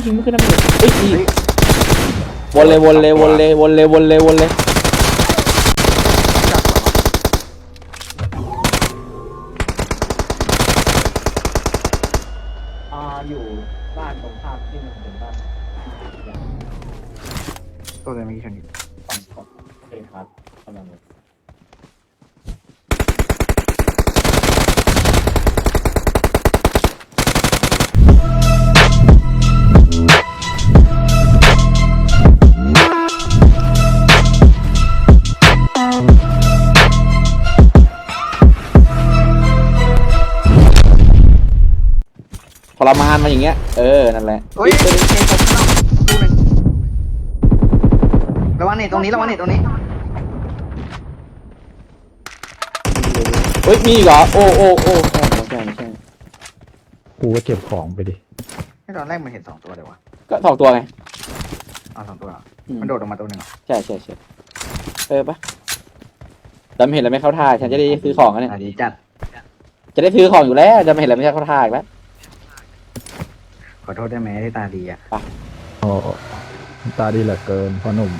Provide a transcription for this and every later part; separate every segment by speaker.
Speaker 1: ยิงไม่ขึ้นนะพี่เฮ้ยยิงวนเลยวนเลยวนเลยวนเลยวนเลยวนเลย
Speaker 2: อยู่บ้านตรงข้ามที่มันเป็นบ้าน
Speaker 3: ตัวเลยเมื่อกี้ชนอยู่
Speaker 2: ฝั่งของโอเคครับกำลังเลย
Speaker 1: ทรมานมาอย่างเงี้ยนั่นแหละ
Speaker 3: เฮ้ยตัวนี้เองตกข้างนอกดูหนึ่งระวังเน็ตตรงนี้ระวังเน็ตตรงนี้
Speaker 1: เฮ้ยมีอีกเหรอโอ้ไม่ใช่
Speaker 4: กูก็เก็บของไปดิ
Speaker 3: ให้ตอนแรกมันเห็น2 ตัวเลยวะ
Speaker 1: ก็2 ตัวไง
Speaker 3: 2 ตัวมันโดดออกมาตัวหนึ่ง
Speaker 1: ใช่ปะจำเห็นแล้วไม่เข้าท่าฉันจะได้ซื้อของกันเนี่ย
Speaker 3: ดีจัด
Speaker 1: จะได้ซื้อของอยู่แล้วจำเห็นแล้วไม่เข้าท่าอีกแล้ว
Speaker 3: ขอโทษได้ไหมที่ตาดีอ่ะ
Speaker 4: โอ้ตาดีเหลือเกินพ่อหนุ่ม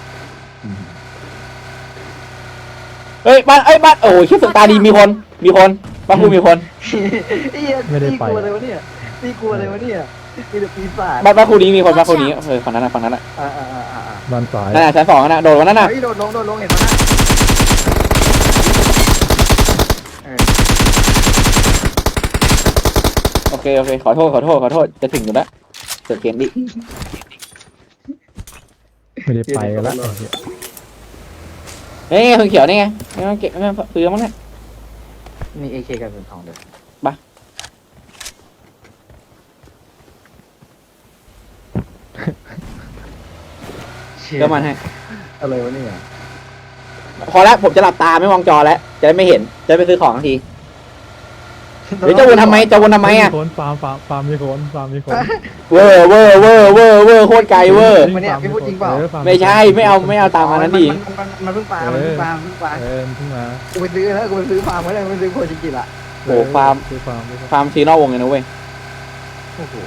Speaker 1: เฮ้ยบ้านโอ้ยคิดสึกตาดีมีคนบ้านกูมีคน
Speaker 4: ไม่ได้ไป
Speaker 3: กลัวเลยวะเนี่ยนี่กลัวเลยวะเนี่ยนี่จะปีศาจ
Speaker 1: บ้านกูนี้มีคนบ้านกูนี้ฝั่งนั้นอ่ะ
Speaker 4: บ้านซ้าย
Speaker 1: นั่นน่ะชั้น 2นั่นน่ะโดดวันนั้นน่ะ
Speaker 3: โดดลงเห็นมั้ย
Speaker 1: โอเคขอโทษจะถึงอยู่แล้วเกิดเกมดิ
Speaker 4: ไม่ได้ไปกันแล้ว
Speaker 1: เฮ้ยคนเขียวนี่ไงไม่เก็บไม่ซื้อมั้งเนี่ย
Speaker 3: มี AK กับเป็นทองเด้อ
Speaker 1: บ้าเดี๋ยวมันให้
Speaker 3: อะไรวะเนี่ย
Speaker 1: พอแล้วผมจะหลับตาไม่มองจอแล้วจะได้ไม่เห็นจะไปซื้อของทันทีเดี๋ยวจะวนทำไมอ่ะ
Speaker 4: ฟาร์มมีคน
Speaker 1: เวอร์โคตรไกลเวอร์
Speaker 3: มันเนี่ยพี่พูดจริงเปล่า
Speaker 1: ไม่ใช่ไม่เอาตามมานั้นดิ
Speaker 3: มันเพิ่งปลาเพิ่งปลากูไปซื้อแล้วกูไปซื้อฟาร์มไว้เลยกูไปซื้อโคจิกิละ
Speaker 1: โอ้ฟาร์มซีนอกวงเลยนะเว้ย
Speaker 3: โอ้โห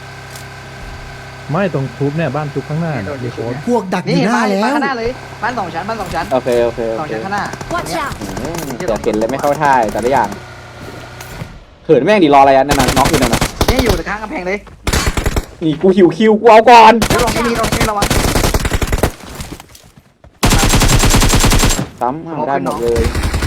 Speaker 4: ไม่ตรงทุบเนี่ยบ้านทุบข้างหน้ามีคน
Speaker 5: พวกดักอยู่หน้าแล้ว
Speaker 3: ข้างหน้าเลยบ้าน2 ชั้น
Speaker 1: โอเค
Speaker 3: 2 ชั้นข้างหน้า
Speaker 1: แต่เห็นเลยไม่เข้าท่าแต่ละอย่างเขินแม่งดิรออะไรอ่ะนั่นน่ะน็อกอยู่นั่นน่ะ
Speaker 3: นี่อยู่ข้างกำแพงเลย
Speaker 1: นี่กูหิวคิวกูเอาก่อน
Speaker 3: ลองไม่ระวัง
Speaker 1: ซ้ำได้หมดเลย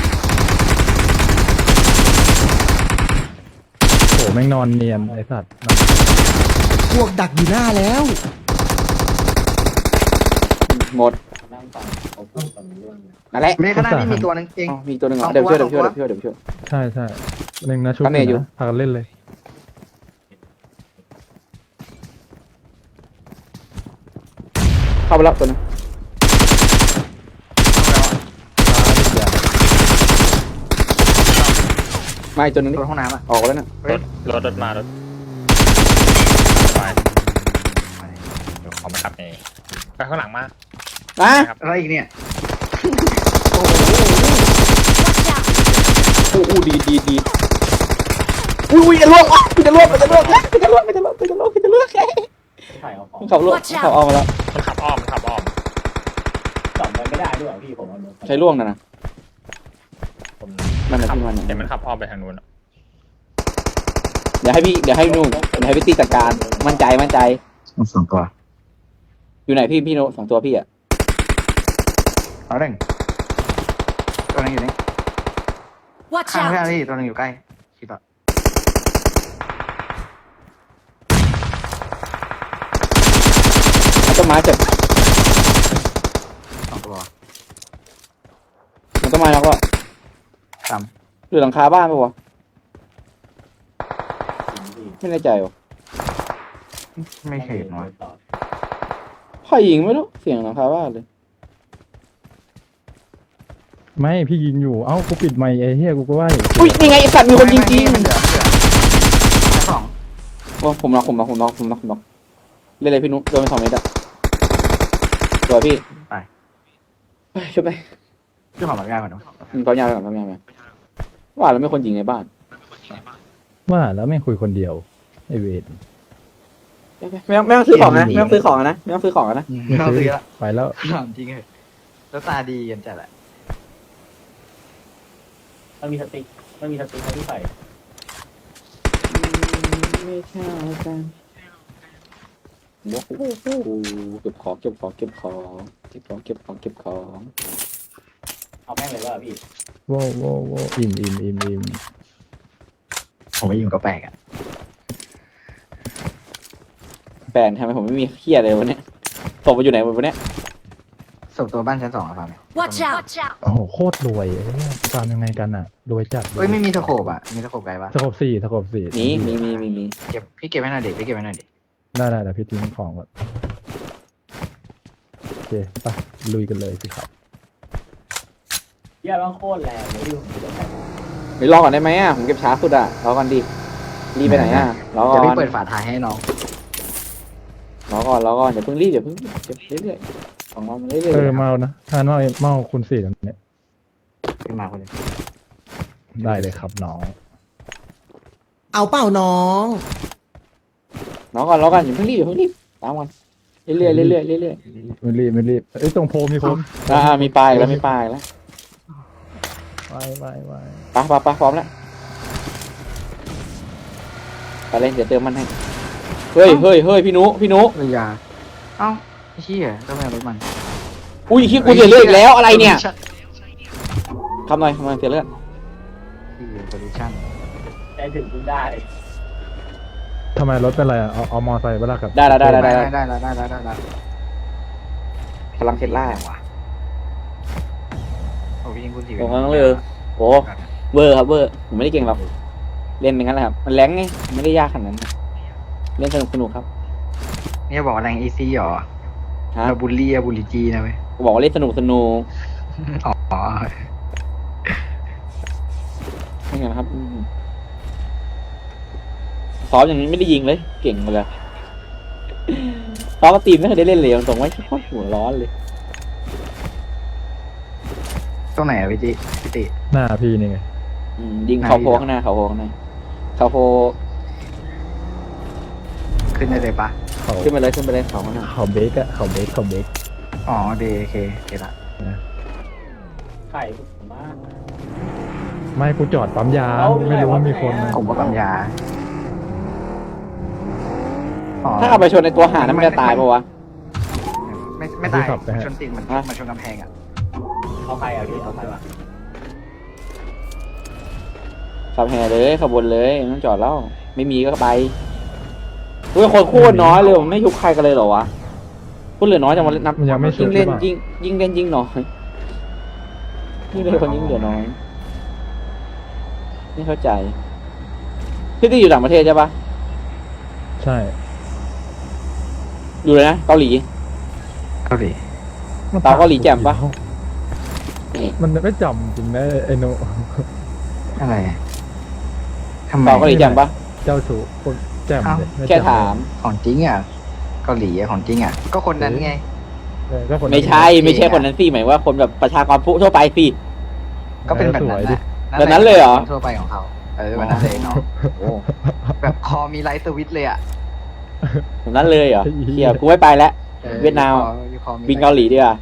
Speaker 4: โอ้แม่งนอนเนียนไอ้สัตว์
Speaker 5: พวกดักอยู่หน้าแล้ว
Speaker 1: หมดนั่นแหละ
Speaker 3: ไม่ข้างหน้านี่มีตัวนึงเอง
Speaker 1: มีตัวนึงเดี๋ยวช่วย
Speaker 4: ใช่หนึ่งนะชุดอยู่พากันเล่นเลย
Speaker 1: เข้าไปแล้วตัวนึงไม่ตัวนึงนี่
Speaker 3: ห้องน้ำอ่ะ
Speaker 1: ออกแล้วนะ
Speaker 2: รถมารถไปเดี๋ยวขอมาขับไปข้างหลังมา
Speaker 3: อะไรอีกเนี่ย
Speaker 1: โอ้ดีอุ้ยจะล่วงมันจะล่วงขับล่วงขับออกมาแล้ว
Speaker 2: มันขับอ้อม
Speaker 5: จอดมันไม่ได้ด้วยพี่ผม
Speaker 1: ใช้ล่วงนะมัน
Speaker 2: ขับเดี๋ยวมันขับอ้อมไปทางนู้น
Speaker 1: เดี๋ยวให้พี่ตีจัดการมั่นใจ
Speaker 3: 2 ตัว
Speaker 1: อยู่ไหนพี่โน2 ตัวพี่อ่ะ
Speaker 3: เอาเร่งตัวนึงอยู่นี่ข้างพี่ตัวนึงอยู่ใกล้คิดว่า
Speaker 1: ต้นไม้เจ็บ
Speaker 3: 2 ตัว
Speaker 1: มันต้นไม้แล้วก็หรือหลังคาบ้านปะวะไม่แน่ใจวะ
Speaker 3: ไม่เห็นวะ
Speaker 1: ใครยิงไม่รู้เสียงหลังคาบ้านเลย
Speaker 4: ไม่พี่ยิงอยู่เอ้ากูปิดไมค์ไอ้เหี้ยกูก็ว่า
Speaker 1: อุ้ยนี่ไงไอ้สัตว์มีคนยิงจริง
Speaker 3: โอ้
Speaker 1: ผมน็อกเล่นเลยพี่นุ๊กโดนไป2 เมตรอะตัวพี่
Speaker 3: ไป
Speaker 1: ช่วยไป
Speaker 3: ช่วยขอแบบยากก่อน
Speaker 1: ปั๊มยาไปว่าแล้วไม่คนยิงในบ้าน
Speaker 4: ว่าแล้วไม่คุยคนเดียวไอเวท
Speaker 1: ไม่ต้องซื้อของนะไม่ต้องซื้อของนะไม่ต้องซื้อของนะ
Speaker 3: ไม่ต้องซื้อละ
Speaker 4: ไปแล้ว
Speaker 3: ถามจริงเลยแล้วตาดีกันจัดแหละ
Speaker 5: มันมีสติ๊กให้พี่ใส่
Speaker 1: ไม่ใช่กันโอ้โหเก็บของ
Speaker 5: เอาแม่งเลยว่าพี่
Speaker 4: โว้อิ่ม
Speaker 3: ผมไม่ยิงก็แปลกอ่ะ
Speaker 1: แปลงทำไมผมไม่มีเฮียเลยวันนี้ศพมันอยู่ไหนวันนี้
Speaker 3: ศพตัวบ้านชั้น 2อะครับ
Speaker 6: Watch out!
Speaker 4: โอ้โหโคตรรวยไอ้เนี่ยตามยังไงกันอ่ะรวยจัด
Speaker 3: เฮ้ยไม่มีตะโขบอ่ะมีตะโขบไกลปะ
Speaker 4: สกบสี่
Speaker 1: มี
Speaker 3: เก็บพี่เก็บไว้หน่อยเด็กพี่เก็บไว้หน่อยเด็ก
Speaker 4: ได้เดี๋ยวพี่ทิ้งของก่อนโอเคไปลุยกันเลยสิครับ
Speaker 5: เหี้ยร้องโคตรแรงเลยพี่ผมจะใส่
Speaker 1: ไปรอก่อนได้ไหมอ่ะผมเก็บช้าสุดอ่ะรอก่อนดิรีบไปไหนอ่ะรอก่
Speaker 3: เดี๋ยว
Speaker 1: อ
Speaker 3: พี่
Speaker 1: น
Speaker 3: เปิดฝาท้ายให้น้อง
Speaker 1: รอก่อนอย่าเพิ่งรีบเก็บเรื่อยๆของเราเรื่อยๆ
Speaker 4: เมานะถ้าเมาคุณสี่แบบนี้
Speaker 3: ขึ้นมาคนเดียว
Speaker 4: ได้เลยครับน้อง
Speaker 5: เอาเปล่าน้อง
Speaker 1: รอก่อนอย่าเพิ่งรีบตามกันเรื่อยๆ
Speaker 4: ไม่รีบเอ้ยตรงโพมีคน
Speaker 1: มีปลายแล้ว
Speaker 4: ไป
Speaker 1: ไปพร้อมแล้วไปเลยเดี๋ยวเติมมันให้เฮ้ยพี่นุ
Speaker 3: เอ้ยยาเอ้าไอ้เหี้ยต้องไปเอารถมัน
Speaker 1: อุ้ยขี้กูเสียเลือดอีกแล้วอะไรเนี่ยทำหน่อยเสียเลือด
Speaker 3: ที่โพลิชั่น
Speaker 5: ใจถึงคุณได้
Speaker 4: ทำไมรถเป็นไรอ่ะเอามอไซค์ไปละกับ
Speaker 1: ได้
Speaker 3: ได้
Speaker 1: พลังเทสลา
Speaker 3: ว่ะโอ้พี่ยิงคุณสี
Speaker 1: ตรงนั้นเลยโอ้เวอร์ครับผมไม่ได้เก่งหรอกเล่นอย่างนั้นแหละครับมันแรงไงไม่ได้ยากขนาดนั้นเล่นสนุกครับ
Speaker 3: เนี่ยบอกว่าแรงอีซี่หรอ
Speaker 1: ฮะ
Speaker 3: เราบูลลี่จีนะเว้ย
Speaker 1: บอกว่าเล่นสนุก
Speaker 3: อ๋อ
Speaker 1: นี่ไงนะครับซ้อมอย่างนี้ไม่ได้ยิงเลยเก่งเลยซ้อมกับทีมไม่เคยได้เล่นเลยตรงไว้โคตรหัวร้อนเลย
Speaker 3: ตรงไหนอะพี่ติ
Speaker 4: หน้าพี่นี่ไง
Speaker 1: ยิงเขาโพข้างหน้าเขาโพ
Speaker 3: ขึ้นได้เลยปะ
Speaker 4: เขา
Speaker 1: ขึ้นไปเลยเขาข้างหน้า
Speaker 4: เขาเบรกอะเขาเบรก
Speaker 3: อ๋อโอเคละ
Speaker 5: ไข่ผมมาก
Speaker 4: ไม่กูจอดปั๊มยาไม่รู้ว่ามีคนนะ
Speaker 3: ผมว่าปั๊มยา
Speaker 1: ถ้าเอาไปชนในตัวหานั้นมันจะตายปะวะ
Speaker 3: ไม่ตายชนติดมันชนกำแพงอ่ะ
Speaker 5: เอาใครอ่ะพี่เอาใครวะ
Speaker 1: ขับแห่เลยขบวนเลยไม่ต้องจอดแล้วไม่มีก็ไปด้วยคนโคตรน้อยเลยไม่ยุบใครกันเลยเหรอวะพูดเหลือน้อยจังวันนับ
Speaker 4: มันยังไม่สุ
Speaker 1: ยิ่
Speaker 4: ด
Speaker 1: ง
Speaker 4: ใช่
Speaker 1: เล่น
Speaker 4: ปะ
Speaker 1: ยิ่งเล่นยิ่งน้อยยิ่งเล่นคนยิ่งเหลือน้อยไม่เข้าใจพี่ที่อยู่ต่างประเทศใช่ปะ
Speaker 4: ใช่
Speaker 1: อยู่เลยนะเกาหลี
Speaker 3: เกาหลี
Speaker 1: ตาเกาหลีแจ่มปะ
Speaker 4: มันไม่จำจริงนะไอ้โน
Speaker 3: อะไรทำไม
Speaker 1: ตาเกาหลีแจ่มปะ
Speaker 4: เจ้าชู้คนแจ่มเลยไ
Speaker 1: แค่ถาม
Speaker 3: ของจริงอ่ะเกาหลีของจริงอ่ะก็คนนั้นไง
Speaker 4: ก็คน
Speaker 1: ไม่ใช่คนนั้นสิหมายว่าคนแบบประชากรทั่วไปสิ
Speaker 3: ก็เป็นแบบนั้น
Speaker 1: แบบนั้นเลยเหรอ
Speaker 3: ทั่วไปของเขาแบบนั้นเลยเนาะแบบคอมีไลท์สวิตเลยอ่ะ
Speaker 1: แบบนั้นเลยเหรอเฮียกูไม่ไปแล้ว เวียดนามบินเกาหลีดีกว่า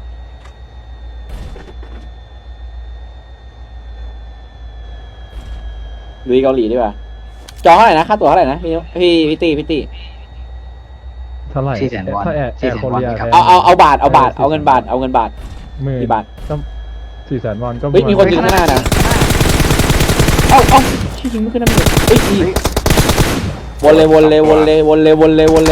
Speaker 1: ลุยเกาหลีดีกว่าจองเท่าไหร่นะค่าตั๋วเท่าไหร่นะพี่ตี
Speaker 4: เท่าไหร่
Speaker 3: 400,000 วอน
Speaker 4: ถ้าแอร์โคเรีย
Speaker 3: ครับ
Speaker 1: เอาบาทเอาเงินบาท
Speaker 4: หมื่น
Speaker 1: กี่บาท
Speaker 4: 400,000 วอนก็
Speaker 1: เฮ้ยมีคนยิงข้างหน้านะชี้ยิงไม่ขึ้นน้ำเลยเฮ้ยวนเลย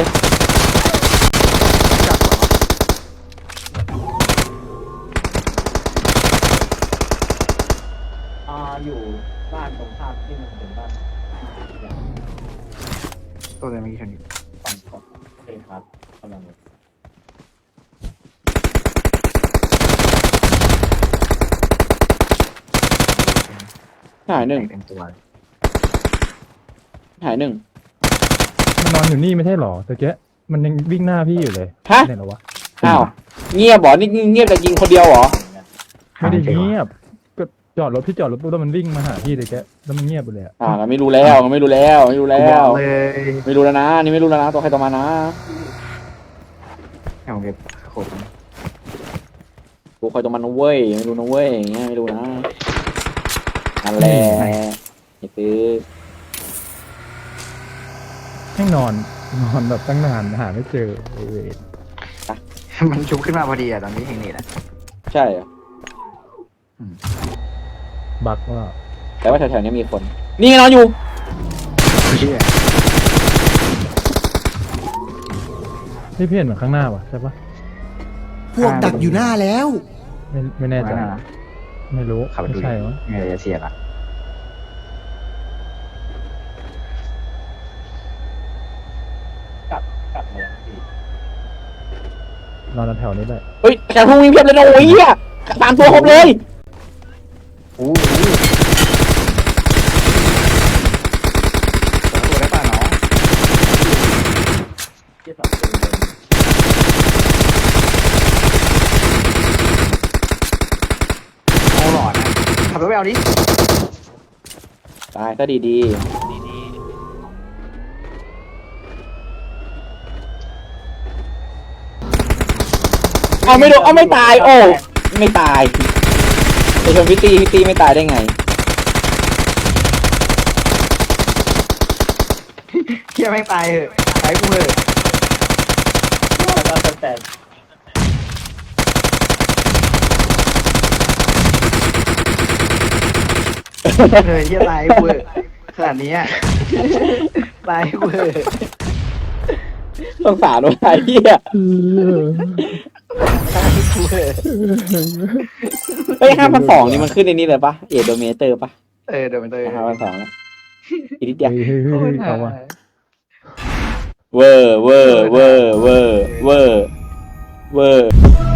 Speaker 5: อยู่บ้านตรงข้ามที่มันเป็นบ้าน
Speaker 3: ตัวเลยเมื่อกี้ชนอยู่
Speaker 5: ฝั่งของโอเคครับกำลัง
Speaker 1: หายหนึ่ง
Speaker 3: เต็มตัว
Speaker 4: มันนอนอยู่นี่ไม่ใช่หรอตะเกียมันยังวิ่งหน้าพี่อยู่เลย
Speaker 1: ฮะ
Speaker 4: ไหนเหรอวะ
Speaker 1: อ้าวเงียบเหรอนี่เงียบแต่ยิงคนเดียวเหรอ
Speaker 4: ไม่ได้เงียบก็จอดรถพี่จอดรถปุ๊บแล้วมันวิ่งมาหาพี่เลยแกแล้วมันเงียบไปเลยอะ
Speaker 1: เราไม่รู้แล้วไม่รู้แล้วไม่รู้แล้
Speaker 3: กูบอ
Speaker 1: ว
Speaker 3: กเลย
Speaker 1: ไม่รู้แล้วนะนี่ไม่รู้แล้วนะตัวใครตัวมันนะ
Speaker 3: ให้ผมเก็บโคตร
Speaker 1: ตัวใครตัวมันนะเว้ยไม่รู้นะเว้ยอย่างเงี้ยไม่รู้นะนั่นแหละไอ้ตื้อ
Speaker 4: ให้นอนแบบตั้งนานหาไม่เจอเออ
Speaker 3: มันชุบขึ้นมาพอดีอะตอนนี้เฮงนี่แหละ
Speaker 1: ใช่เหรอ
Speaker 4: บักว่า
Speaker 1: แต่ว่าแถวๆนี้มีคน นี่ไงนอนอยู่
Speaker 3: เฮีย
Speaker 4: พี่เห็นเหมือนข้างหน้าว่ะใช่ปะ
Speaker 6: พวกดักอยู่หน้าแล้ว
Speaker 4: ไม่แน่ใจ
Speaker 3: มานะ
Speaker 4: ไม่รู้
Speaker 3: ขับไป
Speaker 4: ไม่
Speaker 3: ดู
Speaker 4: ใช่วะ
Speaker 3: ไงจะเสียละ
Speaker 5: กลับมาแล้วพี่
Speaker 4: นอนแถวนี้ได้
Speaker 1: เฮ้ยแถวทุ่งมีเพียบเลยนะโอ้ยเหี้ยสามตัวครบเลย
Speaker 3: โอ้โหตัวได้ป่ะน้อง
Speaker 5: ที่สองตัวเลย
Speaker 3: โอ้หลอดนะขับรถไปเอาดิ
Speaker 1: ตายก็ดีๆเอาไม่โดนเอาไม่ตายโอ้ไม่ตายไปชมพี่ตีไม่ตายได้ไง
Speaker 3: เฮียแม่งตายเหอะตายกูเหอะ
Speaker 5: แล้วก็แต่
Speaker 3: เลยเฮียตายกูเหอะขนาดนี้อะตายกูเหอะ
Speaker 1: สงสารว่ะไอ้เหี้ย
Speaker 3: ตายกูเหอะ
Speaker 1: เฮ้ย5,200นี่มันขึ้นในนี้เลยปะเอโดเมเตอร์ปะ
Speaker 3: เดี๋ยวมันเลย
Speaker 1: 5,200แล้วอีกนิดเดียว
Speaker 4: เฮ้ยเอาว่ะ
Speaker 1: เวอร์